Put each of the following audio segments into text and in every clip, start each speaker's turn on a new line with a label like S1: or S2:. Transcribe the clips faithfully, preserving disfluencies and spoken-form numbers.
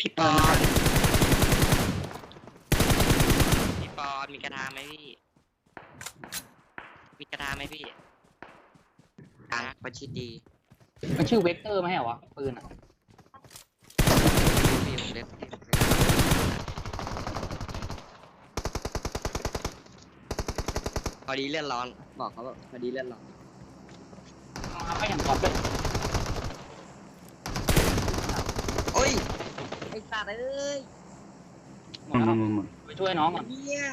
S1: พี่ปอนพี่ปอนมีกระทาไหมพี่มีกระทาไหมพี่กลางประชิดดี
S2: มันชื่อเวกเตอร์ไหมเหรอวะปืนอ่ะ
S1: พี่ผมเล็บพอดีเลื่อนร้อนบอกเขาว่าพอดีเลื่อนร้อน
S2: มาก็อย่างกอบเลย
S1: โอ้ยไอ้สัตว์เอ้ย
S2: หมดแล้วไปช่วยน้องก่อน
S1: เนี่ย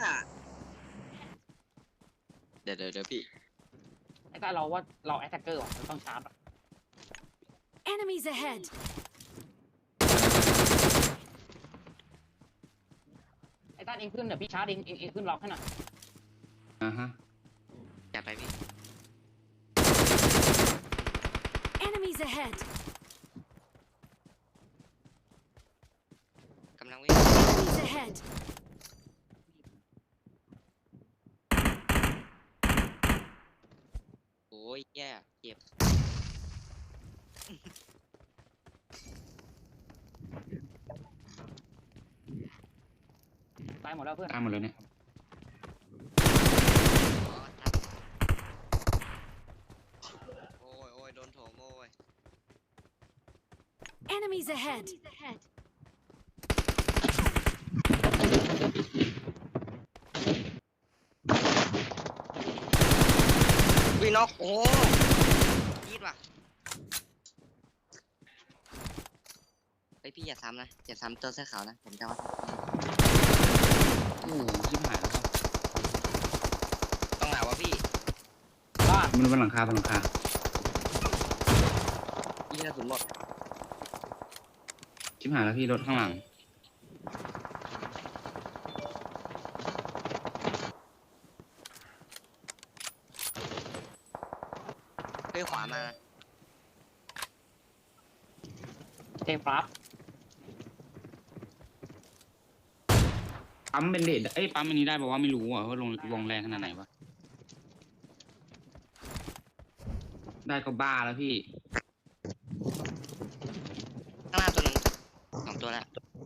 S1: เดี๋ยวเดี๋ยวเดี๋ยวพี่
S2: ไอ้ต้าเราว่าเราแอตแทกเกอร์ว่ะเราต้องชาร์จ
S3: Enemies ahead!
S2: ไอ้ต้าเองขึ้นเดี๋ยวพี่ชาร์จเองเองเองขึ้นล็อกให้หน่อย
S4: อ่าฮะ
S1: จัดไปพี่
S3: Enemies ahead!
S1: กำลังวิ่ง
S3: Enemies ahead!
S1: โอ้ยแย่เจ็บ
S2: ตายหมดแล้วเพื่อน
S4: ตามหมดเลยเนี่ย
S1: โอ้ยโอ้ยโดนโถมโอ้ย
S3: Enemies ahead!
S1: วิ่งนอกโอ้ยีดว่ะไอพี่อย่าซ้ำนะอย่าซ้ำตัวเสื้อขาวนะผมจะว่า
S4: โอ้ชิบหายแล้วครับ
S1: ต้องหนาวะพี่
S2: บ้าน
S4: มันบนหลังคาบนหลังคา
S1: ยี่กระสุนหมด
S4: ชิบหายแล้วพี่รถข้างหลัง
S1: เฮ้ยขวามา
S2: เทปลับ
S4: ปั๊มเป็นเดดเอ้ยปั๊มอันนี้ได้บอกว่าไม่รู้อ่ะว่าลงลงแรงขนาดไหนวะได้ก็บ้าแล้วพี่
S1: ข้างหน้าตัวหนึงสองตัวแล้ว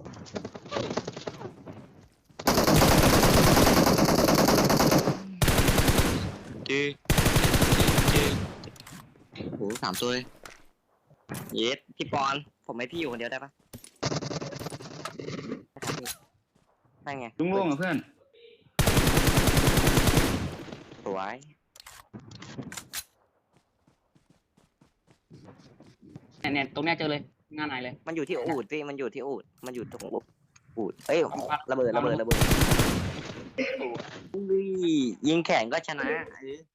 S1: จีจีโอ้โหสามตัวเลยเย็ดพี่ปอนผมให้พี่อยู่คนเดียวได้ปะได้ไง
S4: ลุงล่วงอ่ะเพื่อน
S1: สวย
S2: เนี่ยเนี่ยตรงเนี้ยเจอเลยงานไหนเลย
S1: มันอยู่ที่อูดพี่มันอยู่ที่อูดมันอยู่ตรงอูดเอ้ยระเบิดระเบิดระเบิดอุ้ยยิงแข่งก็ชนะเออ